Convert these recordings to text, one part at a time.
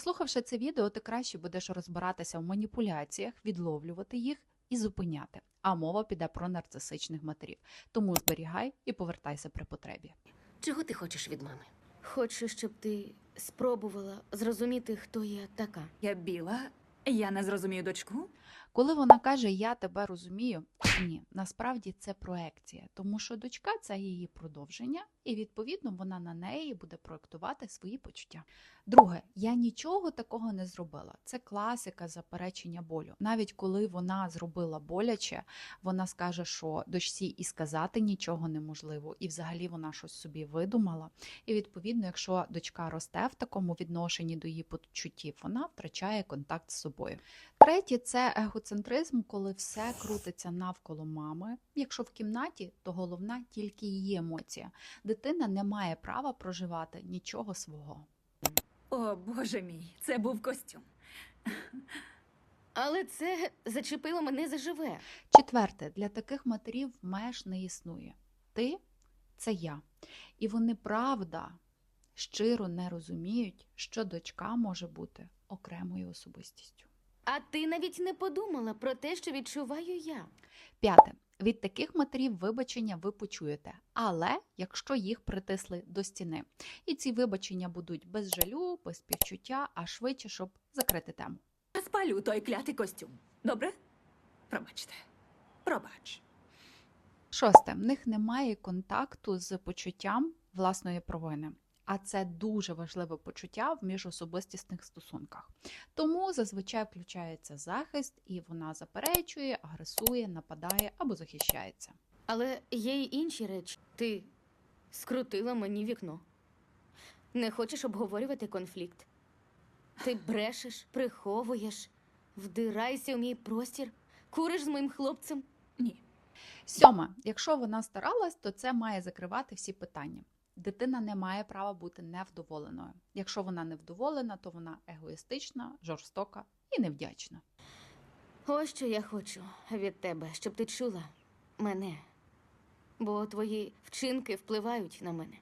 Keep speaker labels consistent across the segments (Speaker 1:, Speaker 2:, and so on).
Speaker 1: Прослухавши це відео, ти краще будеш розбиратися в маніпуляціях, відловлювати їх і зупиняти. А мова піде про нарцисичних матерів. Тому зберігай і повертайся при потребі.
Speaker 2: Чого ти хочеш від мами?
Speaker 3: Хочу, щоб ти спробувала зрозуміти, хто я така.
Speaker 4: Я біла, я не зрозумію дочку.
Speaker 1: Коли вона каже «я тебе розумію», ні, насправді це проекція, тому що дочка – це її продовження, і відповідно вона на неї буде проектувати свої почуття. Друге, я нічого такого не зробила. Це класика заперечення болю. Навіть коли вона зробила боляче, вона скаже, що дочці і сказати нічого неможливо, і взагалі вона щось собі видумала. І відповідно, якщо дочка росте в такому відношенні до її почуттів, вона втрачає контакт з собою. Третє – це егоцентризм, коли все крутиться навколо мами. Якщо в кімнаті, то головна тільки її емоція. Дитина не має права проживати нічого свого.
Speaker 4: О, Боже мій, це був костюм.
Speaker 3: Але це зачепило мене заживе.
Speaker 1: Четверте, для таких матерів меж не існує. Ти – це я. І вони, правда, щиро не розуміють, що дочка може бути окремою особистістю.
Speaker 3: А ти навіть не подумала про те, що відчуваю я.
Speaker 1: П'яте. Від таких матерів вибачення ви почуєте, але якщо їх притисли до стіни. І ці вибачення будуть без жалю, без співчуття, а швидше, щоб закрити тему.
Speaker 4: Я спалю той клятий костюм. Добре? Пробачте. Пробач.
Speaker 1: Шосте. В них немає контакту з почуттям власної провини. А це дуже важливе почуття в міжособистісних стосунках. Тому зазвичай включається захист, і вона заперечує, агресує, нападає або захищається.
Speaker 3: Але є й інші речі. Ти скрутила мені вікно. Не хочеш обговорювати конфлікт. Ти брешеш, приховуєш, вдирайся в мій простір, куриш з моїм хлопцем.
Speaker 4: Ні.
Speaker 1: Сьоме. Якщо вона старалась, то це має закривати всі питання. Дитина не має права бути невдоволеною. Якщо вона невдоволена, то вона егоїстична, жорстока і невдячна.
Speaker 3: Ось що я хочу від тебе, щоб ти чула мене. Бо твої вчинки впливають на мене.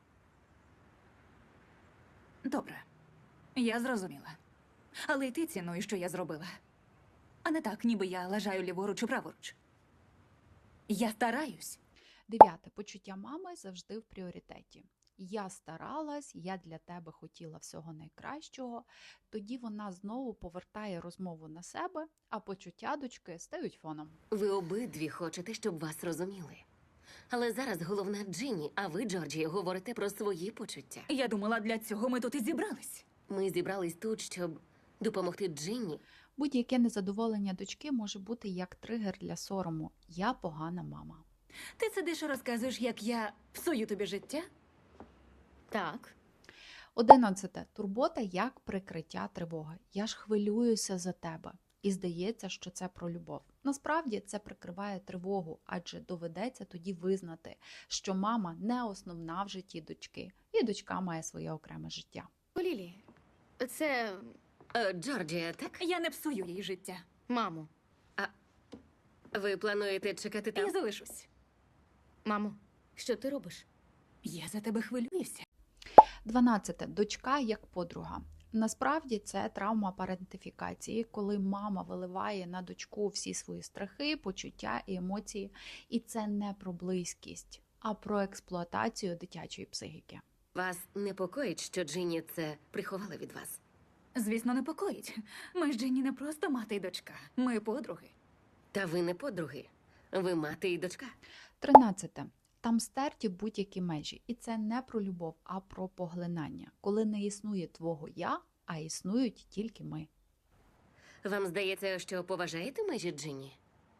Speaker 4: Добре. Я зрозуміла. Але й ти цінуєш, що я зробила. А не так, ніби я лажаю ліворуч і праворуч. Я стараюсь.
Speaker 1: Дев'яте. Почуття мами завжди в пріоритеті. Я старалась, я для тебе хотіла всього найкращого. Тоді вона знову повертає розмову на себе, а почуття дочки стають фоном.
Speaker 2: Ви обидві хочете, щоб вас розуміли. Але зараз головна Джинні, а ви, Джорджі, говорите про свої почуття.
Speaker 4: Я думала, для цього ми тут і зібрались.
Speaker 2: Ми зібрались тут, щоб допомогти Джинні.
Speaker 1: Будь-яке незадоволення дочки може бути як тригер для сорому. Я погана мама.
Speaker 4: Ти сидиш і розказуєш, як я псую тобі життя?
Speaker 3: Так.
Speaker 1: 11. Турбота як прикриття тривоги. Я ж хвилююся за тебе. І здається, що це про любов. Насправді це прикриває тривогу, адже доведеться тоді визнати, що мама не основна в житті дочки, і дочка має своє окреме життя.
Speaker 3: Лілі, це
Speaker 2: Джорджія, так?
Speaker 4: Я не псую їй життя.
Speaker 3: мамо.
Speaker 2: Ви плануєте чекати там?
Speaker 4: Я залишусь.
Speaker 3: Мамо, що ти робиш?
Speaker 4: Я за тебе хвилююся.
Speaker 1: 12. Дочка як подруга. Насправді це травма парентифікації, коли мама виливає на дочку всі свої страхи, почуття і емоції. І це не про близькість, а про експлуатацію дитячої психіки.
Speaker 2: Вас непокоїть, що Джинні це приховала від вас?
Speaker 4: Звісно, непокоїть. Ми з Дженні не просто мати й дочка. Ми подруги.
Speaker 2: Та ви не подруги. Ви мати і дочка.
Speaker 1: 13. Там стерті будь-які межі. І це не про любов, а про поглинання. Коли не існує твого «я», а існують тільки ми.
Speaker 2: Вам здається, що поважаєте межі Джинні?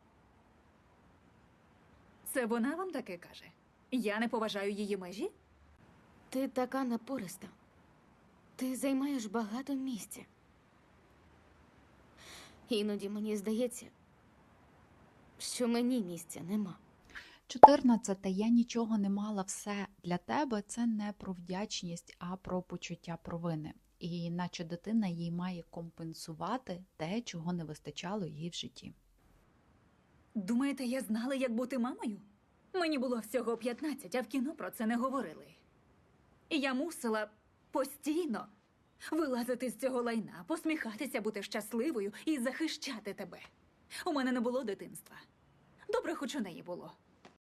Speaker 4: Це вона вам таке каже? Я не поважаю її межі?
Speaker 3: Ти така напориста. Ти займаєш багато місця. Іноді мені здається, що мені місця нема.
Speaker 1: 14. Я нічого не мала, все для тебе. Це не про вдячність, а про почуття провини. І наче дитина їй має компенсувати те, чого не вистачало їй в житті.
Speaker 4: Думаєте, я знала, як бути мамою? Мені було всього 15, а в кіно про це не говорили. І я мусила постійно Вилазити з цього лайна, посміхатися, бути щасливою і захищати тебе. У мене не було дитинства. Добре, хоч у неї було.